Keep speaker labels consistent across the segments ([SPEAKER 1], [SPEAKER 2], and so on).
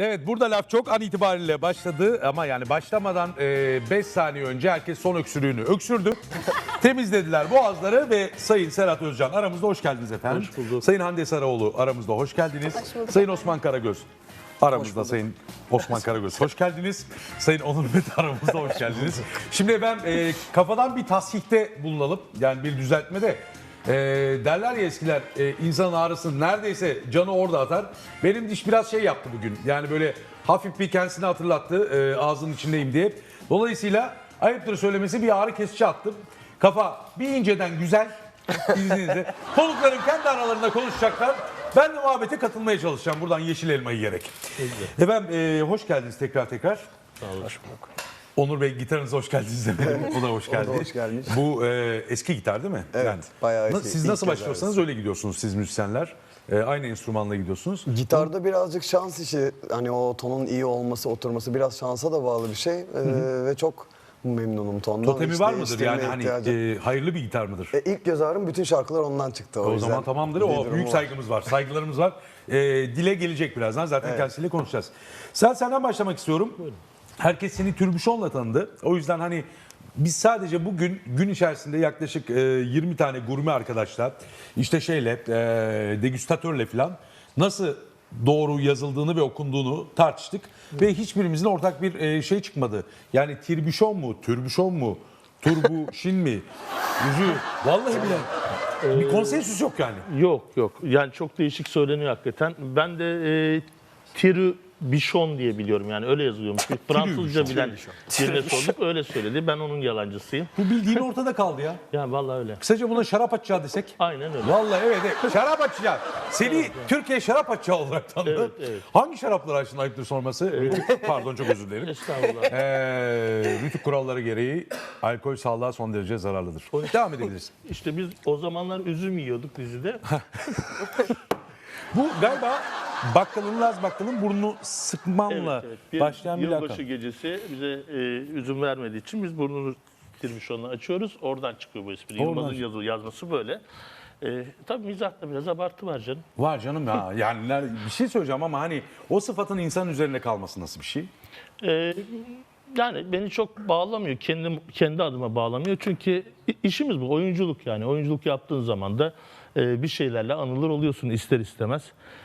[SPEAKER 1] Evet, burada laf çok an itibariyle başladı ama yani başlamadan 5 saniye önce herkes son öksürüğünü öksürdü. Temizlediler boğazları ve Sayın Serhat Özcan aramızda, hoş geldiniz efendim.
[SPEAKER 2] Hoş bulduk.
[SPEAKER 1] Sayın Hande Saraoğlu aramızda, hoş geldiniz.
[SPEAKER 3] Hoş bulduk
[SPEAKER 1] Sayın
[SPEAKER 3] efendim.
[SPEAKER 1] Osman Karagöz aramızda, Sayın Osman Karagöz hoş geldiniz. Sayın Onur Mete aramızda, hoş geldiniz. Şimdi ben kafadan bir tasihte bulunalım, yani bir düzeltmede. Derler ya eskiler, insanın ağrısını neredeyse canı orada atar. Benim diş biraz şey yaptı bugün, yani böyle hafif bir kendisini hatırlattı, ağzının içindeyim diye. Dolayısıyla ayıptır söylemesi bir ağrı kesici attım. Kafa bir inceden güzel, izninizle. Konukların kendi aralarında konuşacaklar. Ben de muhabbete katılmaya çalışacağım buradan yeşil elma yiyerek. Efendim hoş geldiniz tekrar.
[SPEAKER 2] Sağ olun. Hoş bulduk.
[SPEAKER 1] Onur Bey, gitarınıza hoş geldiniz efendim. O da hoş geldi.
[SPEAKER 4] O da hoş gelmiş.
[SPEAKER 1] Bu eski gitar değil mi?
[SPEAKER 4] Evet, bayağı eski.
[SPEAKER 1] Siz
[SPEAKER 4] İlk
[SPEAKER 1] nasıl
[SPEAKER 4] kez
[SPEAKER 1] başlıyorsanız öyle gidiyorsunuz siz müzisyenler. Aynı enstrümanla gidiyorsunuz.
[SPEAKER 4] Gitarda birazcık şans işi. Hani o tonun iyi olması, oturması biraz şansa da bağlı bir şey. Ve çok memnunum tondan.
[SPEAKER 1] Totemi
[SPEAKER 4] Hiç
[SPEAKER 1] var mıdır
[SPEAKER 4] değiştirmeye
[SPEAKER 1] yani, hani
[SPEAKER 4] ihtiyacım-
[SPEAKER 1] hayırlı bir gitar mıdır?
[SPEAKER 4] İlk göz ağrım bütün şarkılar ondan çıktı.
[SPEAKER 1] O
[SPEAKER 4] yüzden
[SPEAKER 1] zaman tamamdır.
[SPEAKER 4] bir
[SPEAKER 1] O
[SPEAKER 4] durumu
[SPEAKER 1] büyük
[SPEAKER 4] var.
[SPEAKER 1] saygımız var, saygılarımız var. Dile gelecek birazdan. Zaten kendisiyle konuşacağız. Senden başlamak istiyorum. Herkes seni Türbüşon'la tanıdı. O yüzden hani biz sadece bugün gün içerisinde yaklaşık 20 tane gurme arkadaşla, işte degüstatörle falan nasıl doğru yazıldığını ve okunduğunu tartıştık. Ve hiçbirimizin ortak bir şey çıkmadı. Yani Tirbüşon mu, Türbüşon mu, Turbuşin mi? Vallahi bile bir konsensüs yok yani.
[SPEAKER 2] Yok. Yani çok değişik söyleniyor hakikaten. Ben de Tribüşon diye biliyorum, yani öyle yazılıyormuş. Bir Fransızca bilen birine sorduk, öyle söyledi. Ben onun yalancısıyım.
[SPEAKER 1] Bu bildiğin ortada kaldı ya.
[SPEAKER 2] Yani vallahi öyle.
[SPEAKER 1] Kısaca buna şarap açacağı desek.
[SPEAKER 2] Aynen öyle.
[SPEAKER 1] Vallahi evet. Şarap açacağı. Seni Türkiye şarap açacağı olarak tanıdı.
[SPEAKER 2] Evet.
[SPEAKER 1] Hangi şarapları açtın, ayıptır sorması? Pardon, çok özür dilerim.
[SPEAKER 2] Estağfurullah.
[SPEAKER 1] Rütük kuralları gereği alkol sağlığa son derece zararlıdır. Devam edebiliriz.
[SPEAKER 2] İşte biz o zamanlar üzüm yiyorduk dizide.
[SPEAKER 1] Bu galiba Laz Bakkal'ın burnunu sıkmanla
[SPEAKER 2] Bir
[SPEAKER 1] başlayan bir
[SPEAKER 2] yılbaşı
[SPEAKER 1] lakap.
[SPEAKER 2] gecesi bize üzüm vermediği için biz burnunu Tribüşon'la açıyoruz. Oradan çıkıyor bu espri.
[SPEAKER 1] Oradan
[SPEAKER 2] Yılmaz'ın yazması böyle. Tabii mizahta biraz abartı var canım.
[SPEAKER 1] Var canım ya. Yani bir şey söyleyeceğim ama hani o sıfatın insanın üzerine kalması nasıl bir şey?
[SPEAKER 2] Yani beni çok bağlamıyor. Kendi adıma bağlamıyor. Çünkü işimiz bu. Oyunculuk yani. Oyunculuk yaptığın zaman da bir şeylerle anılır oluyorsun ister istemez.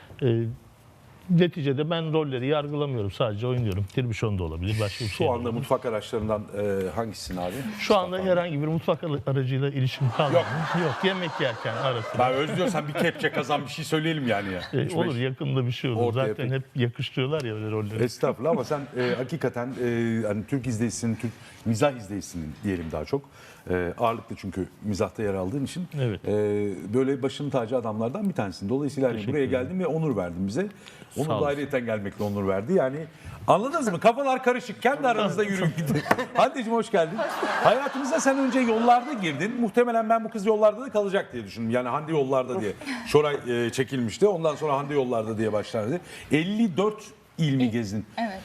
[SPEAKER 2] Neticede ben rolleri yargılamıyorum. Sadece oynuyorum. Tribüşon da olabilir. Başka bir şey
[SPEAKER 1] Şu
[SPEAKER 2] de
[SPEAKER 1] anda
[SPEAKER 2] olabilir.
[SPEAKER 1] mutfak araçlarından hangisisin abi?
[SPEAKER 2] Şu anda herhangi bir mutfak aracıyla ilişkim kalmadı. Yok. Yemek yerken arasında.
[SPEAKER 1] Ben özlüyorsan bir kepçe kazan bir şey söyleyelim yani ya.
[SPEAKER 2] Olur, yakında bir şey olur.
[SPEAKER 1] Ortaya
[SPEAKER 2] Zaten hep yakıştırıyorlar ya öyle rolleri.
[SPEAKER 1] Estağfurullah ama sen hakikaten hani Türk izleyicinin, Türk mizah izleyicisinin diyelim daha çok. Ağırlıklı çünkü mizahta yer aldığın için.
[SPEAKER 2] Evet.
[SPEAKER 1] Böyle başının tacı adamlardan bir tanesin. Dolayısıyla hani
[SPEAKER 2] Teşekkür
[SPEAKER 1] buraya
[SPEAKER 2] ederim.
[SPEAKER 1] geldin ve onur verdin bize.
[SPEAKER 2] Sağ
[SPEAKER 1] Onur da
[SPEAKER 2] olasın.
[SPEAKER 1] ayrıyeten gelmekle onur verdi. Yani anladınız mı? Kafalar karışık. Kendi aranızda yürüyün gidin. Hande'cim hoş geldin. Hayatımıza sen önce yollarda girdin. Muhtemelen ben bu kız yollarda da kalacak diye düşündüm. Yani Hande yollarda diye. Şoray çekilmişti. Ondan sonra Hande yollarda diye başlardı. 54 il mi gezdin?
[SPEAKER 3] Evet.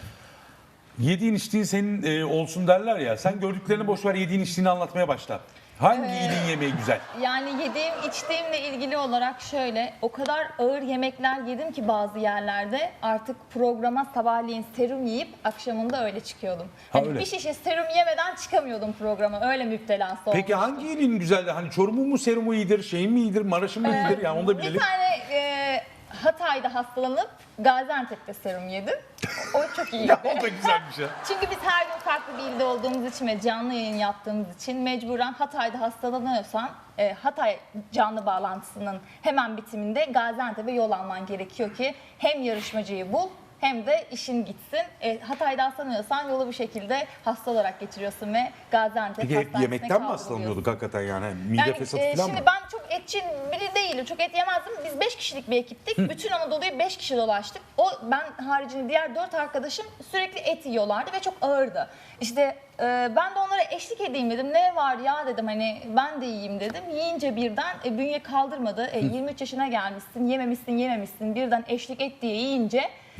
[SPEAKER 1] Yediğin içtiğin senin olsun derler ya. Sen gördüklerini boş ver, yediğin içtiğini anlatmaya başla. Hangi ilin yemeği güzel?
[SPEAKER 3] Yani yediğim içtiğimle ilgili olarak şöyle, o kadar ağır yemekler yedim ki bazı yerlerde artık programa sabahleyin serum yiyip akşamında öyle çıkıyordum. Hani
[SPEAKER 1] öyle.
[SPEAKER 3] bir şişe serum yemeden çıkamıyordum programa, öyle müptelası olmuştum.
[SPEAKER 1] Peki hangi ilin güzeldi? Hani Çorum'un mu serumu iyidir, şeyin mi iyidir, Maraş'ın mı iyidir? Yani onu da
[SPEAKER 3] Bir
[SPEAKER 1] bilelim.
[SPEAKER 3] tane Hatay'da hastalanıp Gaziantep'te serum yedim. O çok iyiydi.
[SPEAKER 1] Ya o da güzelmiş ya.
[SPEAKER 3] Çünkü biz her gün farklı bir ilde olduğumuz için ve canlı yayın yaptığımız için mecburen Hatay'da hastalanıyorsan Hatay canlı bağlantısının hemen bitiminde Gaziantep'e yol alman gerekiyor ki hem yarışmacıyı bul hem de işin gitsin. Hatay'da hastalanıyorsan yolu bir şekilde hasta olarak geçiriyorsun ve Gaziantep
[SPEAKER 1] Peki hep
[SPEAKER 3] hastanesine
[SPEAKER 1] yemekten mi
[SPEAKER 3] kaldırılıyorsun.
[SPEAKER 1] hastalanıyorduk hakikaten yani? Mide
[SPEAKER 3] Yani
[SPEAKER 1] fesatı falan
[SPEAKER 3] şimdi
[SPEAKER 1] mı?
[SPEAKER 3] ben çok etçi biri değilim. Çok et yemezdim. Biz 5 kişilik bir ekiptik. Bütün Anadolu'yu 5 kişi dolaştık. Ben haricinde diğer 4 arkadaşım sürekli et yiyorlardı ve çok ağırdı. İşte ben de onlara eşlik edeyim dedim. Ne var ya dedim, hani ben de yiyeyim dedim. Yiyince birden bünye kaldırmadı. 23 yaşına gelmişsin, yememişsin. Birden eşlik et diye yiyince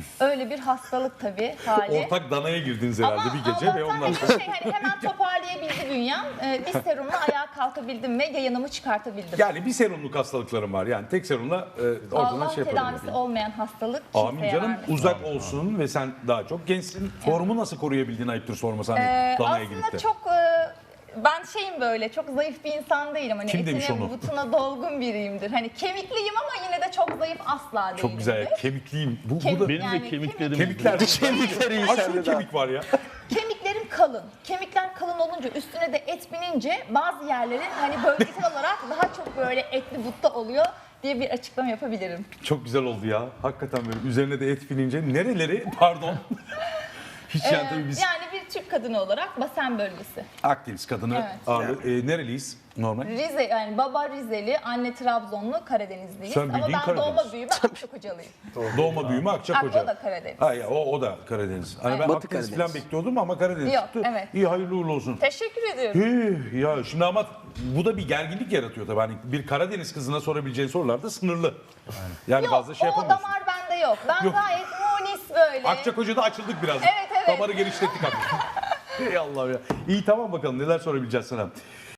[SPEAKER 3] Öyle bir hastalık tabii hali.
[SPEAKER 1] Ortak danaya girdiniz herhalde bir gece ve
[SPEAKER 3] Allah'tan
[SPEAKER 1] ondan
[SPEAKER 3] hani
[SPEAKER 1] sonra.
[SPEAKER 3] hemen toparlayabildi bünyem. Bir serumla ayağa kalkabildim ve yayınımı çıkartabildim.
[SPEAKER 1] Yani bir serumluk hastalıklarım var. Yani tek serumla oradan
[SPEAKER 3] Allah
[SPEAKER 1] şey yaparım.
[SPEAKER 3] tedavisi olmayan hastalık kimseye
[SPEAKER 1] Amin canım,
[SPEAKER 3] vermesin.
[SPEAKER 1] uzak olsun ve sen daha çok gençsin. Formu nasıl koruyabildin ayıptır sorması hani danaya girip de.
[SPEAKER 3] Aslında çok ben şeyim böyle çok zayıf bir insan değilim. Hani
[SPEAKER 1] Kim demiş
[SPEAKER 3] etine
[SPEAKER 1] onu?
[SPEAKER 3] butuna dolgun biriyimdir. Hani kemikliyim ama yine de çok zayıf asla değilim.
[SPEAKER 1] Çok güzel ya, kemikliyim. Bu da
[SPEAKER 2] Benim
[SPEAKER 3] Yani
[SPEAKER 2] de kemiklerim
[SPEAKER 1] kemikler.
[SPEAKER 4] Kemikleri
[SPEAKER 1] Aşırı kemik var ya.
[SPEAKER 3] Kemiklerim kalın. Kemikler kalın olunca üstüne de et binince bazı yerlerin hani bölgesel olarak daha çok böyle etli butta oluyor diye bir açıklama yapabilirim.
[SPEAKER 1] Çok güzel oldu ya. Hakikaten böyle üzerine de et binince nereleri pardon. Hiç yani tabii biz
[SPEAKER 3] Yani bir Türk kadını olarak Basen bölgesi.
[SPEAKER 1] Akdeniz kadını
[SPEAKER 3] Evet.
[SPEAKER 1] ağırlığı. Nereliyiz normal?
[SPEAKER 3] Rize yani baba Rizeli, anne Trabzonlu, Karadenizliyiz.
[SPEAKER 1] Sen
[SPEAKER 3] Ama
[SPEAKER 1] bildiğin
[SPEAKER 3] ben
[SPEAKER 1] Karadeniz.
[SPEAKER 3] doğma büyüme Akçakocalıyım.
[SPEAKER 1] Doğma büyüme Akçakoca.
[SPEAKER 3] O da Karadeniz.
[SPEAKER 1] Ha ya o da Karadeniz. Hani ben
[SPEAKER 4] Batı
[SPEAKER 1] Akdeniz
[SPEAKER 4] Karadeniz.
[SPEAKER 1] falan bekliyordum ama Karadeniz
[SPEAKER 3] Yok,
[SPEAKER 1] çıktı.
[SPEAKER 3] evet.
[SPEAKER 1] İyi hayırlı uğurlu olsun.
[SPEAKER 3] Teşekkür ediyorum.
[SPEAKER 1] Ya şimdi ama bu da bir gerginlik yaratıyor tabii. Hani bir Karadeniz kızına sorabileceğin sorular da sınırlı. Yani
[SPEAKER 3] Yok
[SPEAKER 1] fazla şey
[SPEAKER 3] o
[SPEAKER 1] yapamıyorsun.
[SPEAKER 3] damar bende yok. Ben
[SPEAKER 1] Yok.
[SPEAKER 3] gayet munis böyle.
[SPEAKER 1] Akçakoca'da açıldık biraz.
[SPEAKER 3] Evet, evet.
[SPEAKER 1] Damarı genişlettik artık. Ey Allah'ım ya. İyi tamam bakalım neler sorabileceğiz sana.